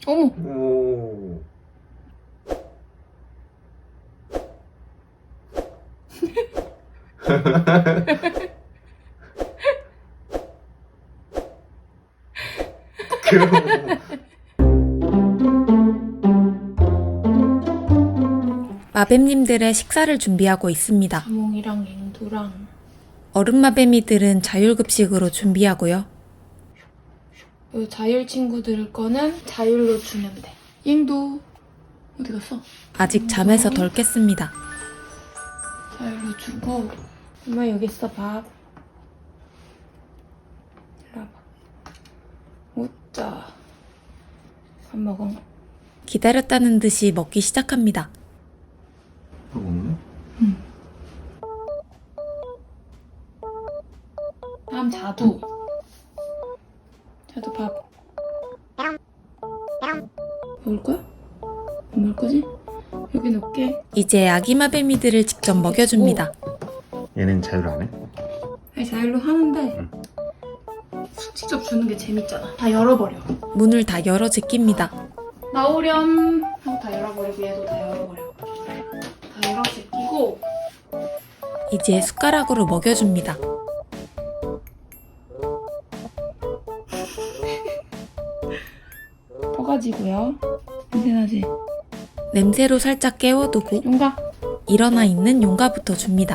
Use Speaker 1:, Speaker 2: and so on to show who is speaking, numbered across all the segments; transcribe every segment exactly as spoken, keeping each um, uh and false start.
Speaker 1: 어머.
Speaker 2: 오.
Speaker 3: 마뱀님들의 식사를 준비하고 있습니다.
Speaker 1: 자몽이랑 앵두랑
Speaker 3: 어른 마뱀이들은 자율급식으로 준비하고요.
Speaker 1: 요 자율 친구들 거는 자율로 주면 돼. 앵두 어디 갔어?
Speaker 3: 아직 잠에서 덜 깼습니다.
Speaker 1: 자율로 주고 엄마 여기 있어 밥. 일로 와봐. 오짜 밥 먹어.
Speaker 3: 기다렸다는 듯이 먹기 시작합니다.
Speaker 2: 먹네?
Speaker 1: 응. 다음 자두. 자두 밥. 먹을 거야? 안 먹을 거지? 여기 넣을게.
Speaker 3: 이제 아기 마뱀이들을 직접 먹여줍니다.
Speaker 2: 얘는 자율 안 해?
Speaker 1: 아니 자율로 하는데
Speaker 2: 응.
Speaker 1: 직접 주는 게 재밌잖아. 다 열어버려.
Speaker 3: 문을 다 열어 제낍니다.
Speaker 1: 나오렴 하고 다 열어버리고 얘도 다 열어버려. 다 열어 제끼고
Speaker 3: 이제 숟가락으로 먹여줍니다.
Speaker 1: 퍼가지고요. 냄새나지?
Speaker 3: 냄새로 살짝 깨워두고
Speaker 1: 용가.
Speaker 3: 일어나 있는 용가부터 줍니다.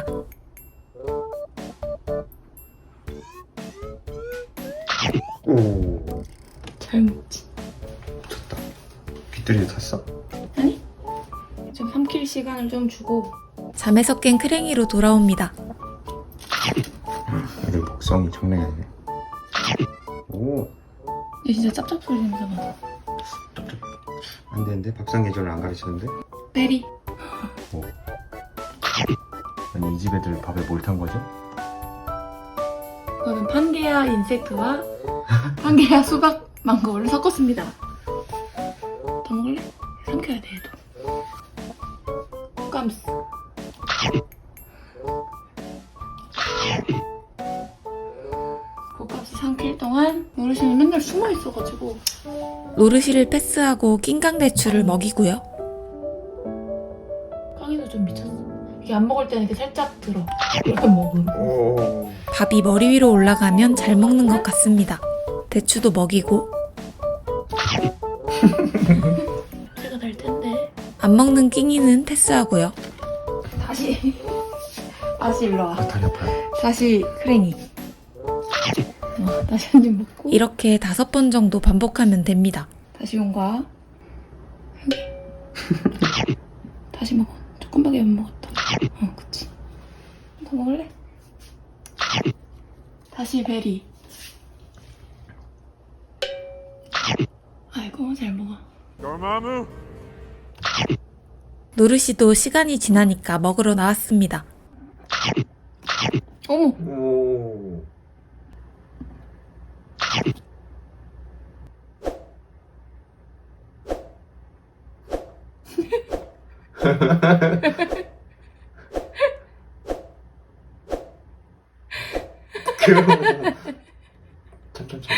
Speaker 2: 오.
Speaker 1: 잘 먹지?
Speaker 2: 좋다. 빗들이도 탔어?
Speaker 1: 아니? 좀 삼킬 시간을 좀 주고
Speaker 3: 잠에서 깬 크랭이로 돌아옵니다.
Speaker 2: 애들 먹성이 장난이 아니네. 오.
Speaker 1: 얘 진짜 짭짭 소리 냄새 나.
Speaker 2: 안 되는데? 밥상 예절을 안 가르치는데?
Speaker 1: 베리.
Speaker 2: 오. 아니 이 집 애들 밥에 뭘 탄 거죠?
Speaker 1: 그거는 판게아 인섹트와 판게아 수박 망고를 섞었습니다. 더 먹을래? 삼켜야 돼 얘도. 깜스. 고값이 삼킬 동안 어르신이 맨날 숨어 있어가지고
Speaker 3: 노르시를 패스하고 낑강대추를 먹이고요.
Speaker 1: 깡이도 좀 미쳤어. 이게 안 먹을 때는 이렇게 살짝 들어. 이렇게 먹음.
Speaker 2: 오.
Speaker 3: 밥이 머리 위로 올라가면 잘 먹는 것 같습니다. 대추도 먹이고
Speaker 1: 제가 될 텐데.
Speaker 3: 안 먹는 낑이는 패스하고요.
Speaker 1: 다시 다시 일로 와.
Speaker 2: 아, 다리 아파요.
Speaker 1: 다시 크랭이. 어, 다시 한 입 먹고.
Speaker 3: 이렇게 다섯 번 정도 반복하면 됩니다.
Speaker 1: 다시 용과. 다시 먹어. 조금밖에 못 먹었다. 어, 그치. 더 먹을래? 다시 베리. 아이고, 잘 먹어.
Speaker 3: 노르시도 시간이 지나니까 먹으러 나왔습니다.
Speaker 1: 어머!
Speaker 2: 오. 천천히.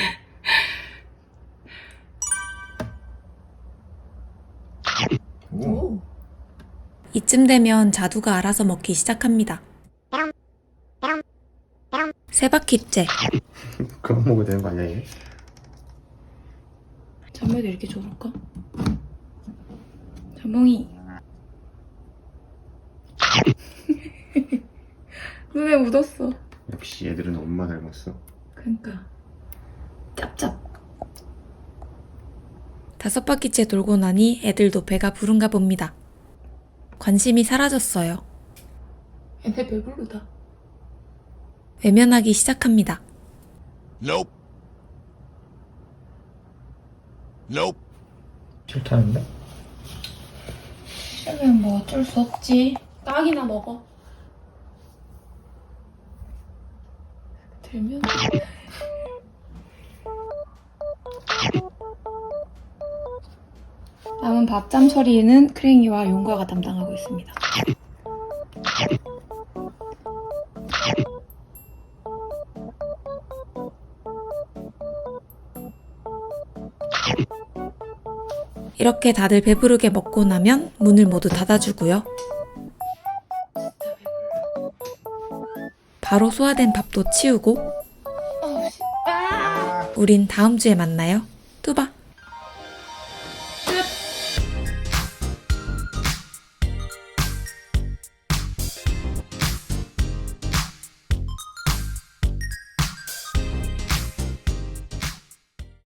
Speaker 2: 오.
Speaker 1: 오.
Speaker 3: 이쯤 되면 자두가 알아서 먹기 시작합니다. 세 바퀴째.
Speaker 2: 그만 먹어도 되는 거 아니야 얘?
Speaker 1: 잠에도 이렇게 좋을까? 자몽이. 눈에 묻었어.
Speaker 2: 역시 얘들은 엄마 닮았어.
Speaker 1: 그러니까 짭짭.
Speaker 3: 다섯 바퀴째 돌고 나니 애들도 배가 부른가 봅니다. 관심이 사라졌어요.
Speaker 1: 얘네 배부르다.
Speaker 3: 외면하기 시작합니다.
Speaker 4: Nope. Nope.
Speaker 2: 싫다는데?
Speaker 1: 싫으면 뭐 어쩔 수 없지. 딱이나 먹어. 들면 남은 밥잠 처리는 크랭이와 용과가 담당하고 있습니다.
Speaker 3: 이렇게 다들 배부르게 먹고 나면 문을 모두 닫아주고요. 바로 소화된 밥도 치우고
Speaker 1: 어, 씨. 아!
Speaker 3: 우린 다음 주에 만나요.